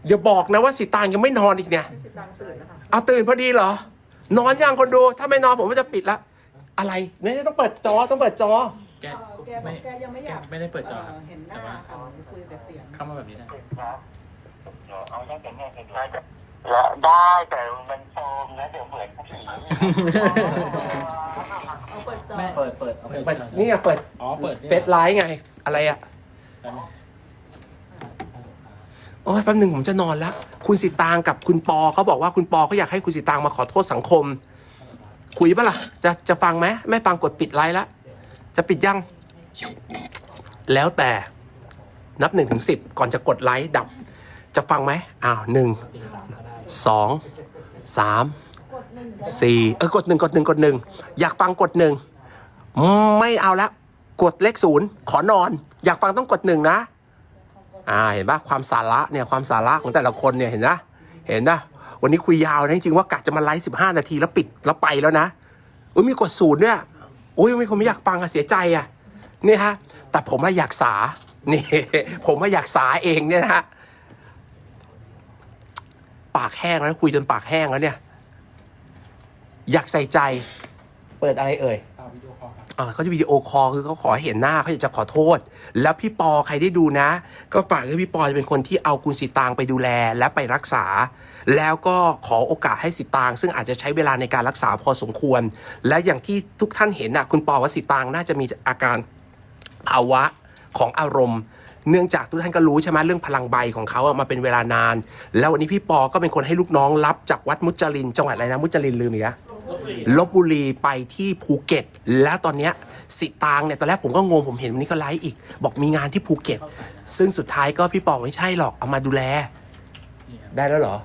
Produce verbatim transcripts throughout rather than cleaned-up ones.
อย่าบอกนะว่าสีตางยังไม่นอนอีกเนี่ยสิตางตื่นนะคะเอาตื่นพอดีเหรอนอนยังคนดูถ้าไม่นอนผมก็จะปิดละอะไรเนี่ยต้องเปิดจอต้องเปิดจอแกแกบอกแกยังไม่อยากไม่ได้เปิดจอเห็นหน้าค่ะคุยแต่เสียงเข้ามาแบบนี้ได้เอาได้แต่แม่เป็นได้ได้แต่มันโฟมนะเดี๋ยวเหมือนผีเอาเปิดจอเปิดเปิดเอาเปิดเปิดนี่ไงเปิดอ๋อเปิดเฟซไลฟ์ไงอะไรอะโอ้ยแป๊บหนึ่งผมจะนอนแล้วคุณสิตางกับคุณปอเขาบอกว่าคุณปอเขาอยากให้คุณสิตางมาขอโทษสังคมคุยปะล่ะจะจะฟังไหมไม่ฟังกดปิดไลฟ์แล้วจะปิดยังแล้วแต่นับหนึ่งถึงสิบก่อนจะกดไลค์ดับจะฟังไหมอ้าวหนึ่งสองสามสี่เออกดหนึ่งกดหนึ่งกดหนึ่งอยากฟังกดหนึ่งไม่เอาละกดเลขศูนย์ขอนอนอยากฟังต้องกดหนึ่งนะอ่าเห็นปะความสาระเนี่ยความสาระของแต่ละคนเนี่ยเห็นนะเห็นนะวันนี้คุยยาวนะจริงๆว่ากะจะมาไลฟ์สิบห้านาทีแล้วปิดแล้วไปแล้วนะอุ้ยมีกดศูนย์เนี่ยโอ้ยมีคนไม่อยากฟังอะเสียใจอะนี่ฮะแต่ผมว่าอยากสานี่ผมว่าอยากสาเองเนี่ยนะฮะปากแห้งแล้วคุยจนปากแห้งแล้วเนี่ยอยากใส่ใจเปิดอะไรเอ่ยอ่าเขาจะวิดีโอคอลคือเขาขอให้เห็นหน้าเขาอยากจะขอโทษแล้วพี่ปอใครได้ดูนะก็ฝากให้พี่ปอจะเป็นคนที่เอาคุณสีตางไปดูแลและไปรักษาแล้วก็ขอโอกาสให้สีตางซึ่งอาจจะใช้เวลาในการรักษาพอสมควรและอย่างที่ทุกท่านเห็นนะคุณปอว่าสีตางน่าจะมีอาการภาวะของอารมณ์เนื่องจากทุกท่านก็รู้ใช่ไหมเรื่องพลังใบของเขาอะมาเป็นเวลานานแล้ววันนี้พี่ปอก็เป็นคนให้ลูกน้องรับจากวัดมุจลินจังหวัดอะไรนะมุจลินลืมอีกแล้วลพบุรีไปที่ภูเก็ตแล้วตอนเนี้ยสิตางเนี่ยตอนแรกผมก็งงผมเห็นวันนี้ก็ไลฟ์อีกบอกมีงานที่ภูเก็ตซึ่งสุดท้ายก็พี่ปอไม่ใช่หรอกเอามาดูแลได้แล้วเหรอ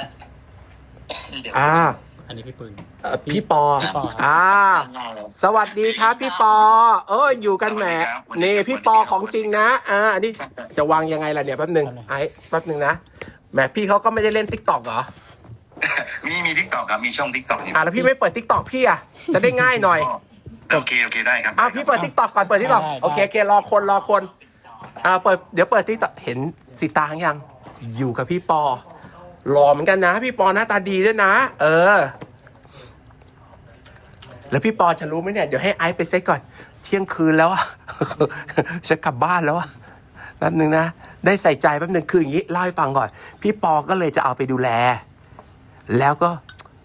อ่าอันนี้พี่ปืนพี่ปออ่าสวัสดีครับพี่ปอเอออยู่กันแหมนี่พี่ปอของจริงนะอ่าอันนี้จะวางยังไงล่ะเนี่ยแป๊บหนึ่งไอ้แป๊บหนึ่งนะแหมพี่เขาก็ไม่ได้เล่นทิกตอกเหรอมีมีทิกตอกครับมีช่องทิกตอกอ่าแล้วพี่ไม่เปิดทิกตอกพี่อ่ะจะได้ง่ายหน่อยโอเคโอเคได้ครับอ่าพี่เปิดทิกตอกก่อนเปิดทิกตอกโอเคโอเครอคนรอคนอ่าเปิดเดี๋ยวเปิดทิกตอกเห็นสีตางยังอยู่กับพี่ปอหล่อเหมือนกันนะพี่ปอหน้าตาดีด้วยนะเออแล้วพี่ปอจะรู้ไหมเนี่ยเดี๋ยวให้ไอซ์ไปเซ็ตก่อนเที่ยงคืนแล้วอะจะกลับบ้านแล้วอะแป๊บนึงนะได้ใส่ใจแป๊บนึงคืออย่างนี้เล่าให้ฟังก่อนพี่ปอก็เลยจะเอาไปดูแลแล้วก็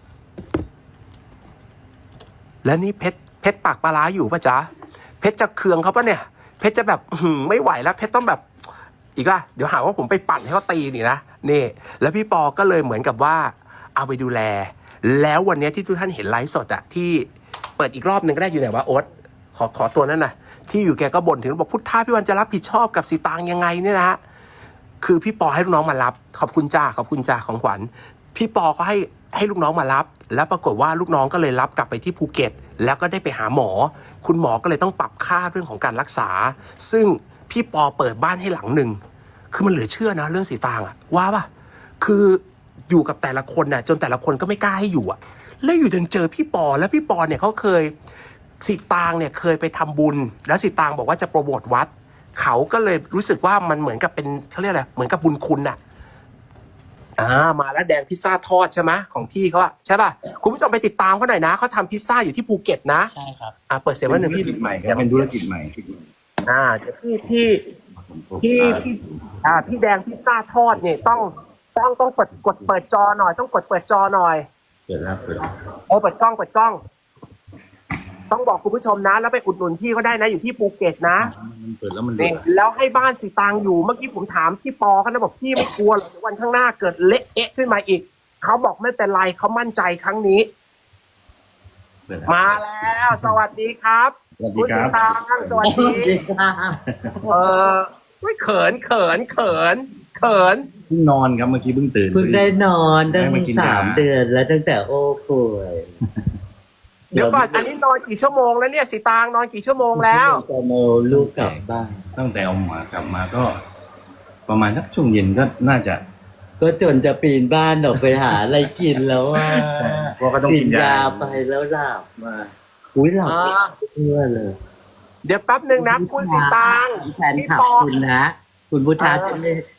แล้วนี่เพชรเพชรปากปลาร้าอยู่ปะจ๊ะเพชรจะเคืองเขาปะเนี่ยเพชรจะแบบไม่ไหวแล้วเพชรต้องแบบอีกว่าเดี๋ยวหาว่าผมไปปั่นให้เขาตีนี่นะนี่แล้วพี่ปอก็เลยเหมือนกับว่าเอาไปดูแลแล้ววันนี้ที่ทุกท่านเห็นไลฟ์สดอะที่เปิดอีกรอบหนึ่งก็ได้อยู่ไหนวะโอ๊ตขอขอตัวนั้นนะที่อยู่แกก็บ่นถึงบอกพุทธาพี่วันจะรับผิดชอบกับสีตางยังไงเนี่ยนะคือพี่ปอให้ลูกน้องมารับขอบคุณจ้าขอบคุณจ้าของขวัญพี่ปอก็ให้ให้ลูกน้องมารับแล้วปรากฏว่าลูกน้องก็เลยรับกลับไปที่ภูเก็ตแล้วก็ได้ไปหาหมอคุณหมอก็เลยต้องปรับค่าเรื่องของการรักษาซึ่งพี่ปอเปิดบ้านให้หลังหนึ่งคือมันเหลือเชื่อนะเรื่องสีตางอะว่าป่ะคืออยู่กับแต่ละคนน่ะจนแต่ละคนก็ไม่กล้าให้อยู่อะแล้วอยู่จนเจอพี่ปอแล้วพี่ปอเนี่ยเขาเคยสีตางเนี่ยเคยไปทำบุญแล้วสีตางบอกว่าจะโปรโมทวัดเขาก็เลยรู้สึกว่ามันเหมือนกับเป็นเขาเรียกอะไรเหมือนกับบุญคุณน่ะอ่ามาแล้วแดงพิซซ่าทอดใช่ไหมของพี่เขาอะใช่ป่ะคุณผู้ชมไปติดตามเขาหน่อยนะเขาทำพิซซ่าอยู่ที่ภูเก็ตนะใช่ครับอ่าเปิดเสียงวันหนึ่งพี่ใหม่ครับเป็นธุรกิจใหม่อ่าเดี๋ยวพี่พี่พี่พี่อ่าพี่แดงพิซซ่าทอดเนี่ยต้องต้องต้องเปิดกดเปิดจอหน่อยต้องกดเปิดจอหน่อยเปิดแล้วเปิดโอ้เปิดกล้องเปิดกล้องต้องบอกคุณผู้ชมนะแล้วไปอุดหนุนพี่เขาได้นะอยู่ที่ภูเก็ตนะมันเปิดแล้วมันเนี่ยแล้วให้บ้านสีตางอยู่เมื่อกี้ผมถามพี่ปอเขานะบอกพี่ไม่กลัวหรอกวันข้างหน้าเกิดเละเอะขึ้นมาอีกเขาบอกไม่เป็นไรเขามั่นใจครั้งนี้มาแล้วสวัสดีครับคุณสีตางสวัสดีเออไม่เขินเขินเขินเขินเพิ่งนอนครับเมื่อกี้เพิ่งตื่นเพิ่งได้นอนตั้งสามเดือนแล้วตั้งแต่โอ้ป่วยเดี๋ยวก่อนอันนี้นอนกี่ชั่วโมงแล้วเนี่ยสีตางนอนกี่ชั่วโมงแล้วจะโมลูกกลับบ้านตั้งแต่เอาหมากลับมาก็ประมาณสักช่วงเย็นก็น่าจะก็จนจะปีนบ้านออกไปหาอะไรกินแล้วว่าเพราะก็ต้องกินยาไปแล้วหลับมาอุ้ยหลับเพื่อเลยเดี๋ยวแป๊บนึงนะคุณสีตางแฟนคลับคุณนะคุณพุทธะจะไม่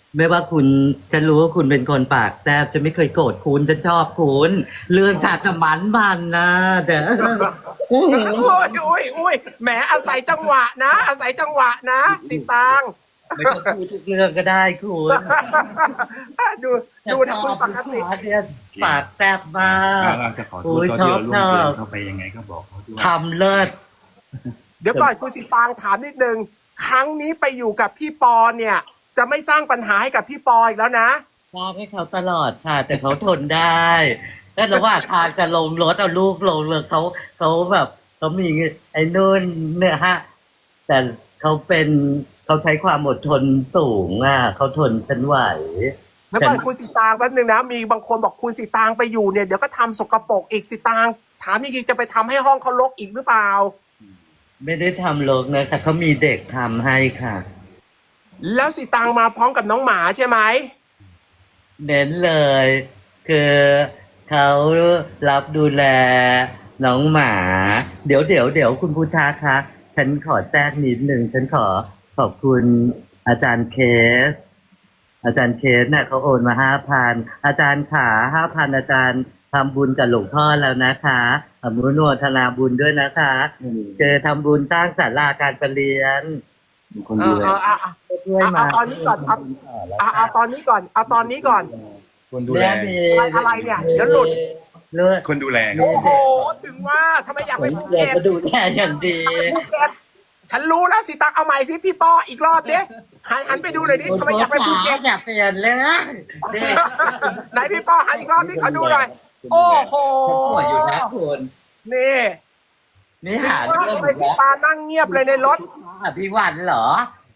ไม่ว่าคุณฉันรู้ว่าคุณเป็นคนปากแซ่บฉันไม่เคยโกรธคุณฉันชอบคุณเรื่องชาติมันมันนะแต่โอ้ยโอ้ยโอ้ยแหมอาศัยจังหวะนะ อาศัยจังหวะนะสิตางไม่ต้องพูดทุกเรื่องก็ได้คุณดูดูนะคุณปกติเนี่ยปากแซ่บมากเราจะขอโทโอ้ษยตอนชที่อบเราล่วงชอบเกินเข้าไปยังไงก็บอกเขาด้วยทำเลิศเดี๋ยวก่อนคุณสิตางถามนิดนึงครั้งนี้ไปอยู่กับพี่ปอเนี่ย จะไม่สร้างปัญหาให้กับพี่ปออีกแล้วนะสร้างให้เขาตลอดค่ะ แต่เขาทนได้แล้วระหว่างทางจะลงรถเอาลูกลงเลยเขาเขาแบบเขามีไอ้นู่นเนี่ยฮะ แต่เขาเป็นเขาใช้ความอดทนสูงอ่ะเขาทนฉันไหวแล้วก่อนคุณสิตางแป๊บนึงนะมีบางคนบอกคุณสิตางไปอยู่เนี่ยเดี๋ยวก็ทำสกปรกอีกสิตางถามจริงๆจะไปทำให้ห้องเขารกอีกหรือเปล่าไม่ได้ทำโลกนะคะเขามีเด็กทำให้ค่ะแล้วสิตางมาพร้อมกับน้องหมาใช่ไหมเน้นเลย คือเขารับดูแลน้องหมา เดี๋ยวเดี๋ยวเดี๋ยวคุณพุทธาคะฉันขอแทรกนิดหนึ่งฉันขอขอบคุณอาจารย์เคส อาจารย์เคสน่ะเขาโอนมาห้าพันอาจารย์ขาห้าพันอาจารย์ทำบุญกับหลวงพ่อแล้วนะคะอนุโมทนาบุญด้วยนะคะเจอทำบุญสร้างศาลาการประเรียนมีคนเอดูอแลเอออ่ะอ่ะช่วยมาเอาตอนนี้ก่อนเอาเอาเอาตอนนี้ก่อนเอาตอนนี้ก่อนคนดูแลอะไรเนี่ยเดี๋ยวหลุดเลือดคนดูแลโอ้โหถึงว่าทำไมอยากเหไปมือนภูเด็กเก็ตก็ดูแลอย่างดีภูเก็ตฉันรู้แล้วสิตังเอาใหม่สิพี่ปออีกรอบดิหันหันไปดูเลยดิทำไมอยากไปภูเก็ตอย่าเปลี่ยนเลยเด็กไหนพี่ปอหันอีกรอบนี่ขอดูหน่อยโอ้โหฉันป่วยอยู่นะคุณนี่นี่หาว่าเรื่องทำไมอีกสิแล้วตานั่งเงียบเลยในรถอภิวันเหรอ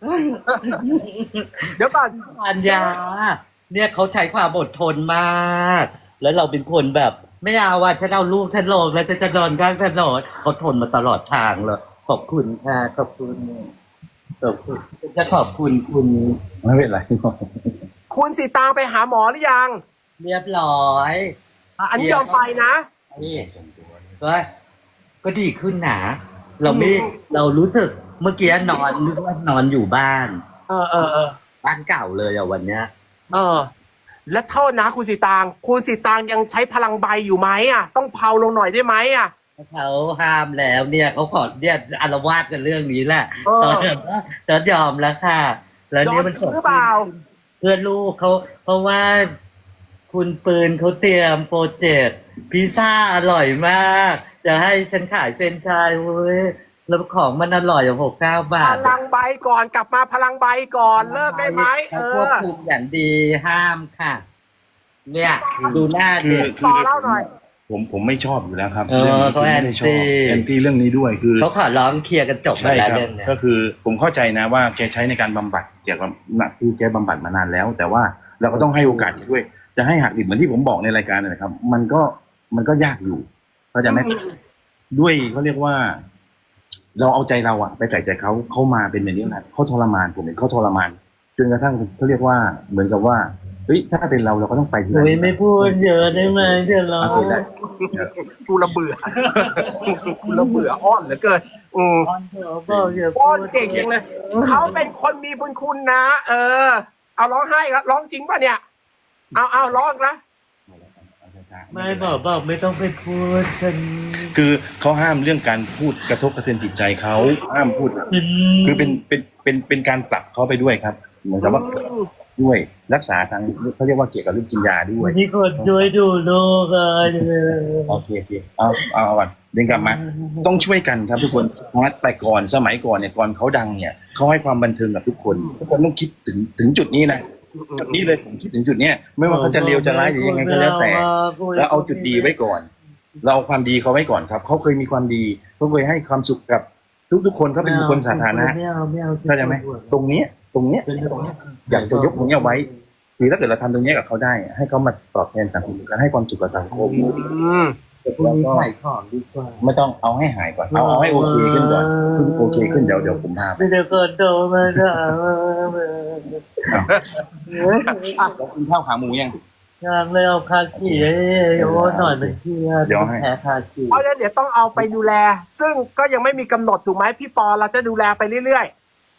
เดี๋ยวก่อนปัญญา เนี่ยเขาใช้ความอดทนมาก แล้วเราเป็นคนแบบ ไม่เอาว่าฉันเอาลูกฉันลงแล้วฉันจะนอนข้างถนนเขาทนมาตลอดทางเลยขอบคุณค่ะขอบคุณขอบคุณจะขอบคุณคุณไม่เป็นไรคุณสิตางไปหาหมอหรือยังเรียบร้อยอ่ะอันนี้ยอมไปนะนี่ก็ก็ดีขึ้นนะเราไม่เรารู้สึกเมื่อกี้นอนนึกว่านอนอยู่บ้านเออเออเออบ้านเก่าเลยอ่ะวันเนี้ยเออ และโทษนะคุณสิตาง คุณสิตางยังใช้พลังใบอยู่ไหมอ่ะ ต้องเผาลงหน่อยได้ไหมอ่ะเขาห้ามแล้วเนี่ยเขาขอเนี่ยอารวาสกันเรื่องนี้แหละเออตอนนี้จะยอมแล้วค่ะ แล้วเนี่ยมันยอมจริงหรือเปล่าเพื่อนลูกเขาเพราะว่า คุณปืนเขาเตรียมโปรเจกต์พิซซ่าอร่อยมาก จะให้ฉันขายเป็นไชายเว้ยแล้วของมันอร่อยอย่างหกเก้าบาพทลังใบก่อนกลับมาพลังใบก่อนเลิกได้ไหมเอควบอคุมอย่างดีห้ามค่ะ เนี่ยดูหน้าคือเด็กคือต่อเล่าหน่อยผมผมไม่ชอบอยู่แล้วครับเออรื่องนี้เขาผมไม่ได้ชอบ anti แอนตี้เรื่องนี้ด้วยคือเขาขอร้องเคลียร์กันจบไปใช่แล้วครับเรื่องเนี้ยก็คือผมเข้าใจนะว่าแกใช้ในการบำบัดเกี่ยวกับน่ะคือแกบำบัดมานานแล้ว แต่ว่าเราก็ต้องให้โอกาสแกด้วย จะให้หักดิบเหมือนที่ผมบอกในรายการนะครับ มันก็มันก็ยากอยู่เข้าใจไหมด้วยเขาเรียกว่า เราเอาใจเราอะไปใส่ใจเขาเขามาเป็นแบบนี้นะเขาทรมานผมเห็นเขาทรมานจนกระทั่งเขาเรียกว่าเหมือนกับว่าเฮ้ยถ้าเป็นเราเราก็ต้องไปที่โอ้ยไม่พูดเยอะได้ไหมเดี๋ยวเราเอาได้กูระเบื่อ กูระเบื่ออ้อนเหลือเกินอืมอ้อนเถอะบอกอย่าพูอ้อดนเก่งจังเลย เขาเป็นคนมีบุญคุณนะ เออ เอาร้องไห้ครับร้องจริงป่ะเนี่ย เอาเอาร้องนะไม่บอกบอกไม่ต้องไปพูดฉันคือเขาห้ามเรื่องการพูดกระทบกระเทือนจิตใจเขาห้ามพูด คือเป็นเป็นเป็นเป็นการปรับเขาไปด้วยครับ เหมือนกับว่าด้วยรักษาทางเขาเรียกว่าเกี่ยวกับเรื่องกินยาด้วยวันนี้คนช่วยดูลูกเลยโอเคโอเคเอาเอาเอาก่อนเดินกลับมา ต้องช่วยกันครับทุกคนนะแต่ก่อนสมัยก่อนเนี่ยก่อนเขาดังเนี่ยเขาให้ความบันเทิงกับทุกคนทุกคนต้องคิดถึงถึงจุดนี้นะจุดนี้เลยผมคิดถึงจุดเนี้ยไม่ว่าเขาจะเลวจะร้ายหรือยังไงก็แล้วแต่ แล้วเอาจุดดีไว้ก่อน เราเอาความดีเขาไว้ก่อนครับเขาเคยมีความดีเขาเคยให้ความสุขกับทุกๆคนเขาเป็นบุคคลสาธารณะไม่เอาไม่เอาเข้าใจไหมตรงเนี้ยตรงเนี้ยตรงเนี้ยอยากจะยกตรงเนี้ยไว้คือถ้าเกิดเราทำตรงเนี้ยกับเขาได้ ให้เขามาตอบแทนสังคมการให้ความสุขกับสังคมอืมพรุ่งนี้ขายของดีกว่าไม่ต้องเอาให้หายก่อนเอาเอาให้โอเคขึ้นก่อนขึ้นโอเคขึ้นเดี๋ยวเดี๋ยวผมพาไปไม่ได้คนโตมาถามแล้วกินข้าวขาหมูยังทางเลยเอาคาขีให้โอ้หน่อยมันเครียดเดี๋ยวให้แพ้คาขีเพราะฉะนั้นเดี๋ยวต้องเอาไปดูแล ซึ่งก็ยังไม่มีกำหนดถูกไหมพี่ปอเราจะดูแลไปเรื่อย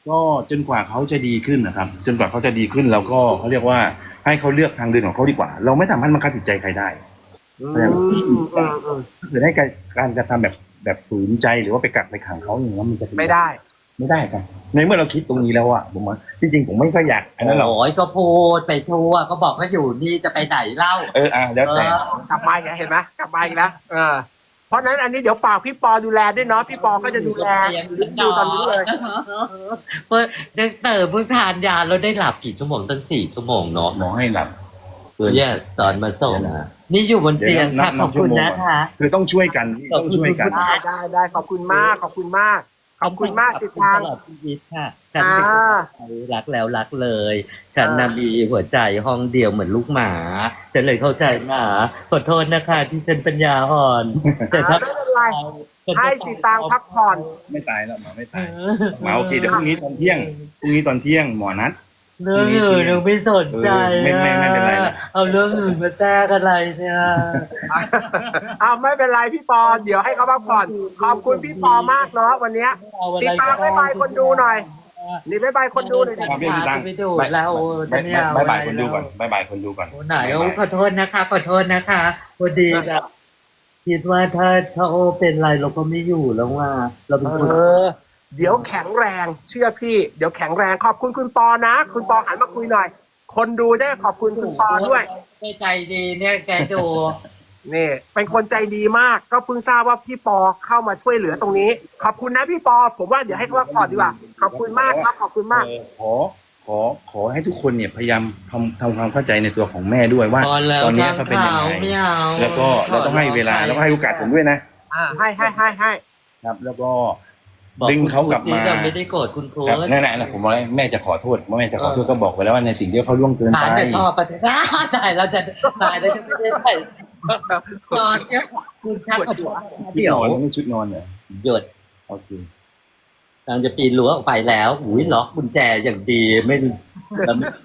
ก็จนกว่าเขาจะดีขึ้นนะครับ จนกว่าเขาจะดีขึ้นแล้วก็เขาเรียกว่าให้เขาเลือกทางเดินของเขาดีกว่า เราไม่สามารถบังคับจิตใจใครได้อืมอืมอืมถ้าเกิดให้การการกระทำแบบแบบฝืนใจหรือว่าไปกักไปขังเขาอย่างนั้นมันจะเป็นไม่ได้ไม่ได้ครับในเมื่อเราคิดตรงนี้แล้วอะผมว่าจริงๆผมไม่ค่อยอยากอันนั้นหรอกโอ้ยก็พูดไปทั่วก็บอกว่าอยู่นี่จะไปไหนเล่าเอออ่ะแล้วแต่กลับมาอีกแล้วเห็นไหมกลับมาอีกแล้วเออเพราะฉะนั้นอันนี้เดี๋ยวฝากพี่ปอดูแลด้วยเนาะพี่ปอก็จะดูแลดูตอนนี้เลยเพื่อได้เติมเพิ่งทานยาแล้วได้หลับกี่ชั่วโมงตั้งสี่ชั่วโมงเนาะหมอให้หลับเพื่อแย่สอนมาส่งนะนี่อยู่บนเตียงค่ะขอบคุณนะคะคือต้องช่วยกันต้องช่วยกันได้ได้ได้ขอบคุณมากขอบคุณมากขอบคุณมากสิทางตลอดชีวิตค่ะฉันอ่าเป็นรักแล้วรักเลย ฉันน่ะมีหัวใจห้องเดียวเหมือนลูกหมา ฉันเลยเข้าใจหมาขอโทษนะคะที่ฉันปัญญาอ่อน แต่ถ้าไม่เป็นไรให้สิตางพักผ่อนไม่ตายแล้วหมอไม่ตายหมอโอเคเดี๋ยวพรุ่งนี้ตอนเที่ยงพรุ่งนี้ตอนเที่ยงหมอนัดเรื่องอื่นยังไม่สนใจเออไม่ไม่ไม่เป็นไรนะเอาเรื่องอื่นมาแจ้งอะไรเนี่ยเอาไม่เป็นไรพี่ปอเดี๋ยวให้เขาพักผ่อนขอบคุณพี่ปอมากเนาะวันเนี้ยสิตางบ๊ายบายคนดูหน่อยนี่บ๊ายบายคนดูหน่อยดิครับพี่ตังไปดูเราบายเนี่ยบายบายคนดูก่อนบายบายคนดูก่อนโอ้ไหนโอ้ขอโทษนะคะขอโทษนะคะพอดีแบบคิดว่าถ้าถ้าโอเป็นไรเราก็ไม่อยู่แล้วว่า เราเป็นคนเออเดี๋ยวแข็งแรงเชื่อพี่เดี๋ยวแข็งแรงขอบคุณคุณปอนะ คุณปอหันมาคุยหน่อย คนดูได้ขอบคุณคุณปอด้วยใจดีเนี่ยแกดูนี่เป็นคนใจดีมากก็เพิ่งทราบว่าพี่ปอเข้ามาช่วยเหลือตรงนี้ ขอบคุณนะพี่ปอผมว่าเดี๋ยวให้เขาพักผ่อนดีกว่าขอบคุณมากครับขอบคุณมากเออขอขอขอให้ทุกคนเนี่ยพยายามทำทำความเข้าใจในตัวของแม่ด้วยว่าตอนแล้วตอนนี้ทางเขาเป็นยังข่าวไงไม่เอาแล้วก็เราต้องให้เวลาแล้วก็ให้โอกาสผมด้วยนะอ่าให้ให้ให้ให้ครับ แล้วก็บอกดึงเขากลับมาคุณครูที่ไม่ได้โกรธคุณครูครับนั่นแหละนะผมบอกให้แม่จะขอโทษว่าแม่จะขอโทษก็บอกไปแล้วว่าในสิ่งที่เขาล่วงเกินฐานไปจะชอบปฏิบัติตายเราจะตายเราจะไม่ได้ไปนอนเนี่ยคุณชักกับผมเดี๋เดี๋ยยว วนี่ชุดนอนเหรอหยุดโอเคกำลังจะปีนรั้วออกไปแล้วอุ้ยล็อกกุญแจอย่างดีไม่แล้วไม่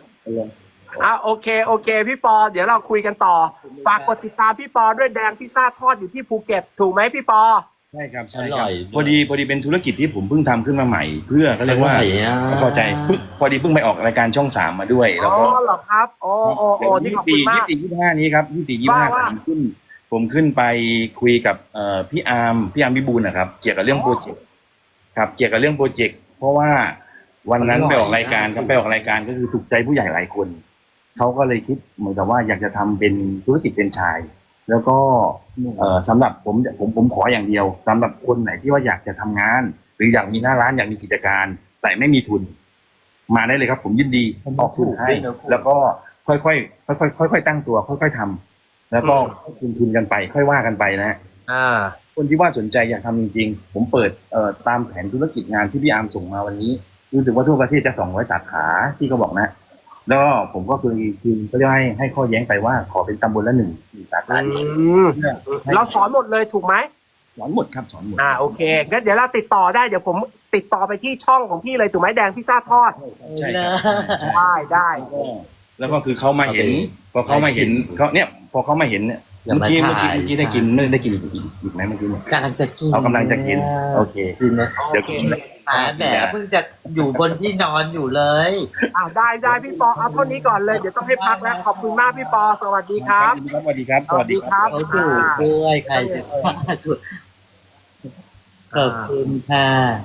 อ่ะโอเคโอเคพี่ปอเดี๋ยวเราคุยกันต่อฝากกดติดตามพี่ปอด้วยแดงพิซซ่าทอดอยู่ที่ภูเก็ตถูกไหมพี่ปอใช่ครับใช่อคร่รับอยพอดีพอดีเป็นธุรกิจที่ผมเพิ่งทำขึ้นมาใหม่ เพื่อเขาเรียกว่าอร่อยอ่ะพอใจเพิ่งพอดีเพิ่งไปออกรายการช่องสามมาด้วย แล้วอ๋อก็เหรอครับโอ้โอ้โอ้นี่ขอบคุณมากยี่สิบยี่สิบห้านี้ครับยี่สิบยี่สิบห้าว่าว่าผมขึ้น ผมขึ้นไปคุยกับเอ่อพี่อาร์มพี่อาร์มวิบูลย์นะครับ เกี่ยวกับเรื่องโปรเจกต์ครับเกี่ยวกับเรื่องโปรเจกต์เพราะว่าวันนั้นไปออกรายการครับไปออกรายการก็คือถูกใจผู้ใหญ่หลายคนเขาก็เลยคิดเหมือนกับว่าอยากจะทำเป็นธุรกิจเป็นไชายแล้วก็เอ่อสำหรับผมผมผมขออย่างเดียวสำหรับคนไหนที่ว่าอยากจะทำงาน หรืออยากมีหน้าร้านอยากมีกิจการ แต่ไม่มีทุน มาได้เลยครับ ผมยินดีออกทุนให้ แล้วก็ค่อยๆค่อยๆค่อยๆตั้งตัว ค่อยๆทำแล้วก็ทุนทุนกันไป ค่อยว่ากันไปนะอ่าคนที่ว่าสนใจอยากทำจริงๆ ผมเปิดเอ่อตามแผนธุรกิจงานที่พี่อาร์มส่งมาวันนี้รู้สึกว่าทั่วประเทศจะสองร้อยสาขาที่เขาบอกนะ แล้วก็ผมก็คือคือก็เรียกให้ให้ข้อแย้งไปว่าขอเป็นตำบลละหนึ่งหนึ่งสาขาอืมเราสอนหมดเลยถูกไหมสอนหมดครับสอนหมดอ่าโอเคงั้นเดี๋ยวเราติดต่อได้เดี๋ยวผมติดต่อไปที่ช่องของพี่เลยถูกไหมแดงพิซซ่าทอดใช่ครับใช่ได้ได้แล้วก็แล้วก็คือเขามาเห็น พอเขามาเห็นเขาเนี่ยพอเขามาเห็นเนี่ยเมื่อกี้เมื่อกี้เมื่อกี้ได้กินไม่ได้กินอีกอีกอีกไหมเมื่อกี้เนี่ยกำลังจะกินเอากำลังจะกินโอเคกินนะเดี๋ยวกินแหมแหมเพิ่งจะอยู่บนที่นอนอยู่เลยอ่าได้ได้พี่ปอเอาเท่านี้ก่อนเลยเดี๋ยวต้องให้พักแล้วขอบคุณมากพี่ปอสวัสดีครับสวัสดีครับสวัสดีครับเขาถูกด้วยใครจะถูกขอบคุณค่ะ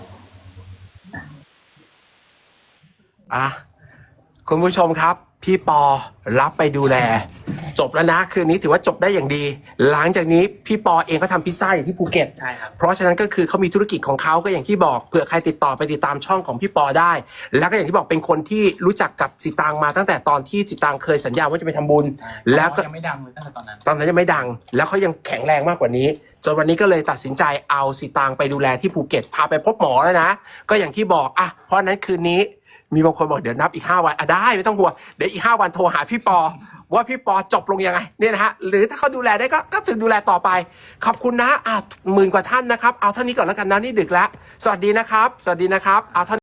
อ่ะคุณผู้ชมครับ พี่ปอรับไปดูแล จบแล้วนะคืนนี้ถือว่าจบได้อย่างดี หลังจากนี้พี่ปอเองก็ทำพิซซ่าอยู่ที่ภูเก็ตใช่ครับเพราะฉะนั้นก็คือเขามีธุรกิจของเขาก็อย่างที่บอกเผื่อใครติดต่อไปติดตามช่องของพี่ปอได้ แล้วก็อย่างที่บอกเป็นคนที่รู้จักกับสิตางมาตั้งแต่ตอนที่สิตางเคยสัญญาว่าจะไปทำบุญ แล้วก็ยังไม่ดังเลยตั้งแต่ตอนนั้นตอนนั้นยังไม่ดัง แล้วเขายังแข็งแรงมากกว่านี้ จนวันนี้ก็เลยตัดสินใจเอาสิตางไปดูแลที่ภูเก็ตพาไปพบหมอแล้วนะ ก็อย่างที่บอกอ่ะเพราะฉะนั้นคืนนี้มีบางคนบอกเดี๋ยวนับอีกห้าวันอ่ะได้ไม่ต้องห่วงเดี๋ยวอีกห้าวันโทรหาพี่ปอว่าพี่ปอจบลงยังไงเนี่ยนะฮะหรือถ้าเขาดูแลได้ก็ก็ถึงดูแลต่อไปขอบคุณนะอ่ะหมื่นกว่าท่านนะครับเอาเท่านี้ก่อนแล้วกันนะนี่ดึกแล้วสวัสดีนะครับ สวัสดีนะครับเอาเท่า